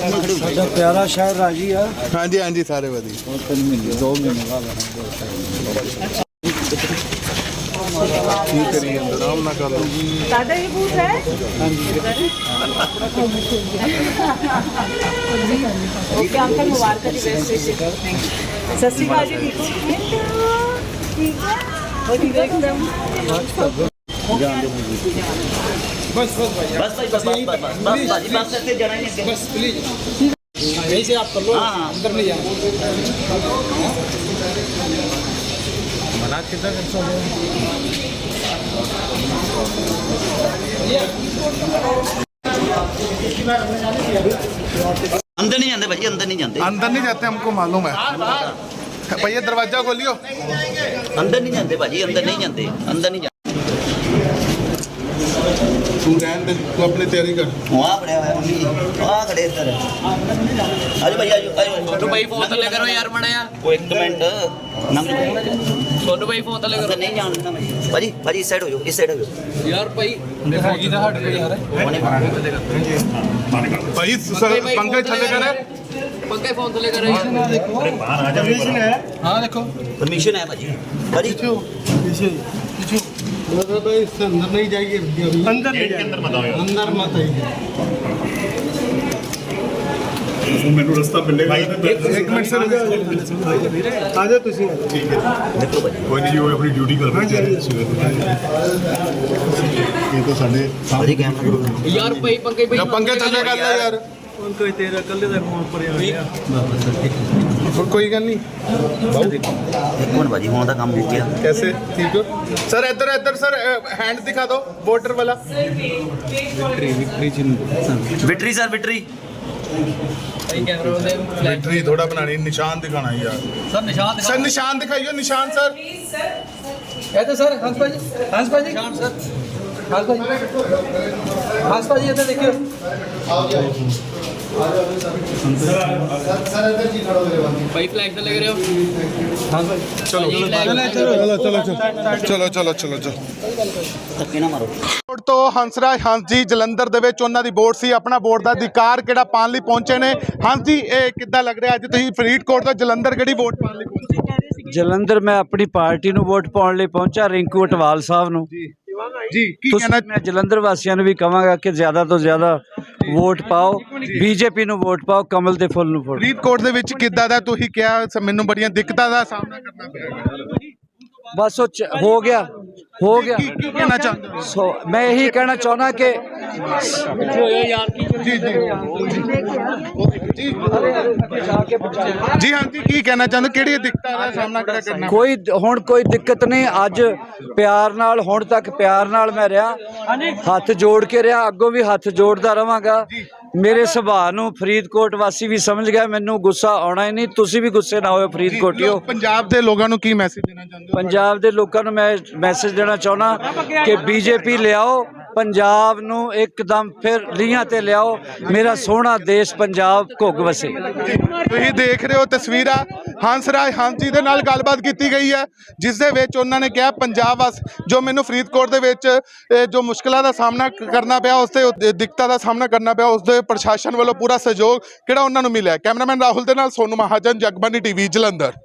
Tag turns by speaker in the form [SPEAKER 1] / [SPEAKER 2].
[SPEAKER 1] ਸਾਡਾ ਪਿਆਰਾ ਸ਼ਹਿਰ ਰਾਜੀ ਆ।
[SPEAKER 2] ਹਾਂਜੀ ਹਾਂਜੀ ਸਾਰੇ ਵਧੀਆ।
[SPEAKER 1] 3 ਮਹੀਨੇ 2 ਮਹੀਨੇ ਬਾਅਦ
[SPEAKER 2] ਕੀ ਕਰੀ ਅੰਦਰ ਆਰਾਮ ਨਾਲ ਕਰ ਲਓ।
[SPEAKER 3] दादा ये बूथ है ओके अंकल मुबारक जी बेस्ट सत श्री अकाल जी ठीक है और ठीक है एकदम
[SPEAKER 4] बस भाई बस भाजी बस ऐसे जाना ही नहीं बस प्लीज यहीं से आप कर लो अंदर नहीं जाना मना कितना
[SPEAKER 5] अंदर नहीं जाते भाजी अंदर नहीं जाते
[SPEAKER 2] अंदर नहीं जाते हमको मालूम है भैया दरवाजा खोलियो।
[SPEAKER 5] अंदर नहीं जाते भाजी अंदर नहीं जाते अंदर नहीं जाते
[SPEAKER 2] तू रहने दे, तू अपनी तैयारी कर।
[SPEAKER 5] वहाँ खड़े हुए मम्मी वहाँ खड़े इधर आजो भाई आजो
[SPEAKER 6] छोटू भाई फोन थले करो यार मड़ा यार
[SPEAKER 5] वो एक मिनट नंग
[SPEAKER 6] छोटू भाई फोन थले
[SPEAKER 5] अंदर
[SPEAKER 6] करो
[SPEAKER 5] नहीं जान देना भाई भाजी इस साइड हो जाओ इस साइड हो जाओ
[SPEAKER 6] यार भाई
[SPEAKER 4] होगी ना हट गई यार
[SPEAKER 2] भाई पंकज थले कर
[SPEAKER 6] पंकज फोन थले करो
[SPEAKER 4] हां देखो
[SPEAKER 5] परमिशन है भाजी भाजी
[SPEAKER 4] भाई इससे अंदर नहीं जाइए अंदर नहीं जाइए अंदर मत आइए
[SPEAKER 2] ਮੈਨੂੰ ਰਸਤਾ ਮਿਲੇਗਾ। ਇੱਕ ਮਿੰਟ ਸਰ
[SPEAKER 4] आ जाओ ਤੁਸੀਂ
[SPEAKER 2] ਠੀਕ ਹੈ
[SPEAKER 5] देखो भाजी
[SPEAKER 2] ਕੋਈ ਨਹੀਂ ਉਹ ਆਪਣੀ ਡਿਊਟੀ ਕਰ ਰਹੇ ਨੇ ਇਹ ਤਾਂ ਸਾਡੇ
[SPEAKER 5] भाजी कैमरा
[SPEAKER 6] यार भाई पंकज भाई
[SPEAKER 2] ਪੰਕਜ ਥੱਲੇ ਕਰ ਲੈ ਯਾਰ।
[SPEAKER 4] ਕੋਈ ਤੇਰਾ ਕੱਲੇ ਦਾ ਫੋਨ ਪਰ ਆ ਗਿਆ
[SPEAKER 2] ਕੋਈ ਗੱਲ ਨਹੀਂ
[SPEAKER 5] एक मिनट भाजी वहाँ का काम हो गया
[SPEAKER 2] कैसे ठीक हो सर इधर इधर सर हैंड दिखा दो वोटर वाला।
[SPEAKER 5] विक्ट्री सर विक्ट्री
[SPEAKER 2] बैटरी थोड़ा बनानी निशान दिखाना यार सर निशान दिखाइयो निशान सर।
[SPEAKER 4] कहते सर हंस भाजी हंस भाजी इधर देखियो
[SPEAKER 6] भाई फ्लैग थले करो
[SPEAKER 2] चलो चलो चलो चलो चलो
[SPEAKER 5] धक्के ना मारो
[SPEAKER 2] ਬੋਰਡ ਤੋਂ ਹੰਸਰਾਜ ਹੰਸ ਜੀ ਜਲੰਧਰ ਦੇ ਵਿੱਚ ਉਹਨਾਂ ਦੀ ਵੋਟ ਸੀ। ਆਪਣਾ ਵੋਟ ਦਾ ਅਧਿਕਾਰ ਕਿਹੜਾ ਪਾਉਣ ਲਈ ਪਹੁੰਚੇ ਨੇ। ਹੰਸ ਜੀ ਇਹ ਕਿੱਦਾਂ ਲੱਗ ਰਿਹਾ ਅੱਜ ਤੁਸੀਂ ਫਰੀਦਕੋਟ ਤੋਂ ਜਲੰਧਰ ਕਿਹੜੀ ਵੋਟ ਪਾਉਣ ਲਈ ਪਹੁੰਚੇ।
[SPEAKER 1] ਜਲੰਧਰ ਮੈਂ ਆਪਣੀ ਪਾਰਟੀ ਨੂੰ ਵੋਟ ਪਾਉਣ ਲਈ ਪਹੁੰਚਾ ਰਿੰਕੂ ਅਟਵਾਲ ਸਾਹਿਬ ਨੂੰ।
[SPEAKER 2] ਜੀ ਕੀ ਕਹਿਣਾ
[SPEAKER 1] ਮੈਂ ਜਲੰਧਰ ਵਾਸੀਆਂ ਨੂੰ ਵੀ ਕਹਾਂਗਾ ਕਿ ਜ਼ਿਆਦਾ ਤੋਂ ਜ਼ਿਆਦਾ ਵੋਟ ਪਾਓ, ਬੀਜੇਪੀ ਨੂੰ ਵੋਟ ਪਾਓ, ਕਮਲ ਦੇ ਫੁੱਲ ਨੂੰ ਵੋਟ।
[SPEAKER 2] ਫਰੀਦਕੋਟ ਦੇ ਵਿੱਚ ਕਿੱਦਾਂ ਦਾ ਤੁਸੀਂ ਕਿਹਾ ਮੈਨੂੰ ਬੜੀਆਂ ਦਿੱਕਤਾਂ ਦਾ ਸਾਹਮਣਾ ਕਰਨਾ ਪਿਆ।
[SPEAKER 1] ਬਸ ਉਹ ਹੋ ਗਿਆ
[SPEAKER 2] ਕੀ ਕਹਿਣਾ ਚਾਹੁੰਦੇ ਹੋ?
[SPEAKER 1] ਸੋ ਮੈਂ ਇਹੀ ਕਹਿਣਾ ਚਾਹੁੰਦਾ ਕਿ
[SPEAKER 2] ਜੀ ਜੀ ਹਾਂ ਜੀ ਕੀ ਕਹਿਣਾ ਚਾਹੁੰਦੇ ਕਿਹੜੀ ਦਿੱਕਤਾਂ ਦਾ ਸਾਹਮਣਾ ਕਰਨਾ।
[SPEAKER 1] ਕੋਈ ਹੁਣ ਕੋਈ ਦਿੱਕਤ ਨਹੀਂ। ਅੱਜ ਪਿਆਰ ਨਾਲ ਹੁਣ ਤੱਕ ਪਿਆਰ ਨਾਲ ਮੈਂ ਰਿਹਾ, ਹੱਥ ਜੋੜ ਕੇ ਰਿਹਾ, ਅੱਗੋਂ ਵੀ ਹੱਥ ਜੋੜਦਾ ਰਵਾਂਗਾ। ਮੇਰੇ ਸੁਭਾਅ ਨੂੰ ਫਰੀਦਕੋਟ ਵਾਸੀ ਵੀ ਸਮਝ ਗਿਆ, ਮੈਨੂੰ ਗੁੱਸਾ ਆਉਣਾ ਹੀ ਨਹੀਂ। ਤੁਸੀਂ ਵੀ ਗੁੱਸੇ ਨਾ ਹੋਇਓ ਫਰੀਦਕੋਟੀਓ।
[SPEAKER 2] ਪੰਜਾਬ ਦੇ ਲੋਕਾਂ ਨੂੰ ਕੀ ਮੈਸੇਜ ਦੇਣਾ ਚਾਹੁੰਦੇ ਹੋ?
[SPEAKER 1] ਪੰਜਾਬ ਦੇ ਲੋਕਾਂ ਨੂੰ ਮੈਂ ਮੈਸੇਜ ਦੇਣਾ ਚਾਹੁੰਦਾ ਕਿ ਬੀਜੇਪੀ ਲਿਆਓ, ਪੰਜਾਬ ਨੂੰ ਇੱਕਦਮ ਫਿਰ ਲੀਹਾਂ ਤੇ ਲਿਆਓ। ਮੇਰਾ ਸੋਹਣਾ ਦੇਸ਼ ਪੰਜਾਬ ਘੁੱਗ ਵਸੇ।
[SPEAKER 2] ਤੁਸੀਂ ਦੇਖ ਰਹੇ ਹੋ ਤਸਵੀਰਾਂ ਹੰਸਰਾਜ ਹੰਸ ਜੀ ਦੇ ਨਾਲ ਗੱਲਬਾਤ ਕੀਤੀ ਗਈ ਹੈ, ਜਿਸ ਦੇ ਵਿੱਚ ਉਹਨਾਂ ਨੇ ਕਿਹਾ ਪੰਜਾਬ ਵਾਸ ਜੋ ਮੈਨੂੰ ਫਰੀਦਕੋਟ ਦੇ ਵਿੱਚ ਜੋ ਮੁਸ਼ਕਲਾਂ ਦਾ ਸਾਹਮਣਾ ਕਰਨਾ ਪਿਆ, ਉਸ ਤੇ ਦਿੱਕਤਾਂ ਦਾ ਸਾਹਮਣਾ ਕਰਨਾ ਪਿਆ, ਉਸ ਦੇ ਪ੍ਰਸ਼ਾਸਨ ਵੱਲੋਂ ਪੂਰਾ ਸਹਿਯੋਗ ਕਿਹੜਾ ਉਹਨਾਂ ਨੂੰ ਮਿਲਿਆ। ਕੈਮਰਾਮੈਨ ਰਾਹੁਲ ਦੇ ਨਾਲ ਸੋਨੂ ਮਹਾਜਨ, ਜਗਬਾਨੀ ਟੀਵੀ ਜਲੰਧਰ।